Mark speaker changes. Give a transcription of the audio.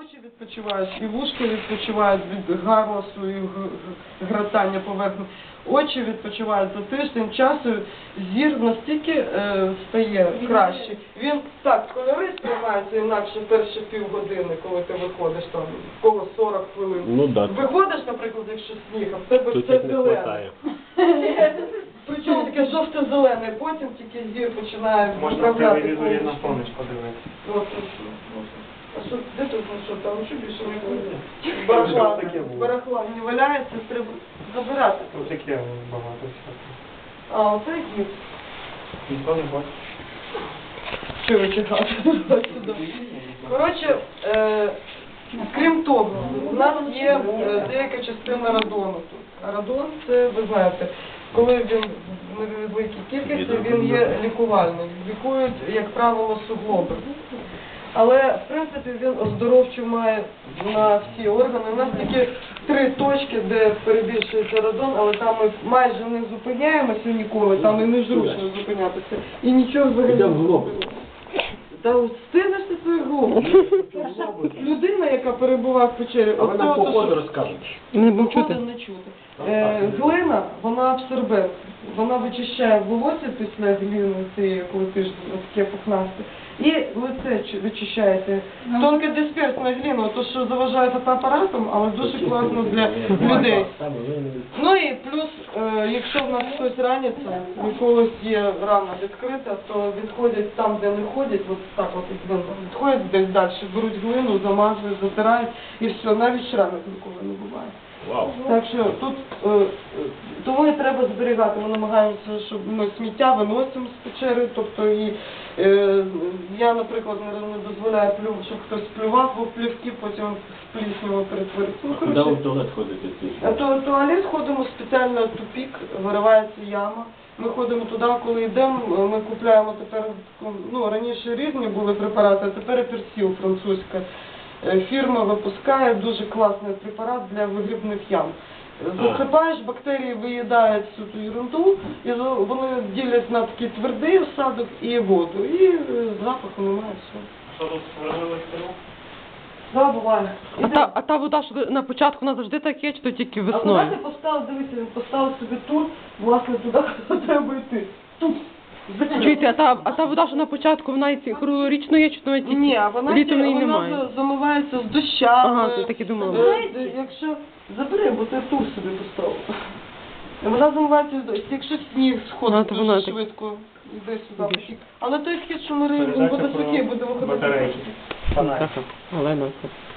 Speaker 1: очі відпочивають, і вушки відпочивають від галасу і гратання поверхні. Очі відпочивають за тиждень часу, зір настільки стає краще. Він так, кольори сприймаються інакше перші півгодини, коли ти виходиш там, в кого 40 хвилин.
Speaker 2: Ну, да.
Speaker 1: Виходиш, наприклад, якщо сніг, а в тебе
Speaker 2: Тут
Speaker 1: все
Speaker 2: їх не
Speaker 1: зелене.
Speaker 2: хватає.
Speaker 1: Причому таке жовто-зелене, потім тільки зір починає
Speaker 3: Можна в
Speaker 1: вправляти
Speaker 3: телевізорі
Speaker 1: повністю.
Speaker 3: на поміч подивитися.
Speaker 1: От, а що, де тут, ну що, там що більше не буде?
Speaker 3: Там
Speaker 1: Барахла,
Speaker 3: таке було.
Speaker 1: барахла не валяється, треба забирати.
Speaker 3: Тут таке багато всякого.
Speaker 1: А, оце гіпс.
Speaker 3: Ніхто не бачить.
Speaker 1: Що ви чекати? Коротше, крім того, у нас є деяка частина радону тут. А радон, це, ви знаєте, коли він в невеликій кількості, він є лікувальним. Лікують, як правило, суглоби. Але, в принципі, він оздоровчо має на всі органи. У нас тільки 3 точки, де перебільшується радон, але там ми майже не зупиняємося ніколи, там і незручно зупинятися. І нічого взагалі не зробимо. Та встигнеш ти свою голову. Людина, яка перебуває в печері,
Speaker 2: А ви нам по ходу
Speaker 1: що...
Speaker 2: розкажете.
Speaker 4: Не будемо чути.
Speaker 1: Не чути. Глина, вона абсорбент. Вона вичищає волосся після глини, цієї, коли ти ж таке пухнасте. І лице вичищаєте. Тонка дисперсна глина, то що заважає фотоапаратом, але дуже класно для людей. Ну і плюс, якщо в нас хтось раниться, у когось є рана відкрита, то відходять там, де не ходять, от так от відходять десь далі, беруть глину, замазують, затирають і все, навіть шрамів ніколи не буває.
Speaker 2: Вау.
Speaker 1: Так що тут тому і треба зберігати. Ми намагаємося, щоб ми сміття виносимо з печери. Тобто і я, наприклад, не дозволяю, щоб хтось плював, бо плівки потім в плісняву перетворюються. Ну,
Speaker 2: Куди ви в туалет ходите?
Speaker 1: в туалет ходимо спеціально тупік, виривається яма. Ми ходимо туди, коли йдемо, ми купуємо тепер, ну раніше різні були препарати, а тепер персіл французька. Фірма випускає дуже класний препарат для вигрібних ям. Засипаєш, бактерії виїдають всю ту ерунду, і вони ділять на такий твердий осадок і воду. І запаху немає, все.
Speaker 3: Що тут створили стрілку?
Speaker 1: Да, буває.
Speaker 4: А та вода, що на початку вона завжди так є, чи то тільки
Speaker 1: А куди
Speaker 4: весною?
Speaker 1: ти поставив, дивися, він поставив собі тут, власне, туди, куди треба йти. Тут.
Speaker 4: Чуєте, а та вода, що на початку, вона і круглорічно є, чи то тільки
Speaker 1: Ні, а вона
Speaker 4: літом її немає?
Speaker 1: замивається з дощами.
Speaker 4: Ага, то так і думала.
Speaker 1: Якщо забери, бо ти тур собі поставив. Вона замивається з дощу. Якщо сніг сходить
Speaker 4: то вона
Speaker 1: дуже
Speaker 4: так-
Speaker 1: швидко, йде сюди потік. Але той схід, що ми риємо, він
Speaker 3: Передача
Speaker 1: буде
Speaker 3: про
Speaker 1: сухий, буде виходити.
Speaker 3: батарейки. Фонарик.
Speaker 4: Так, Олена.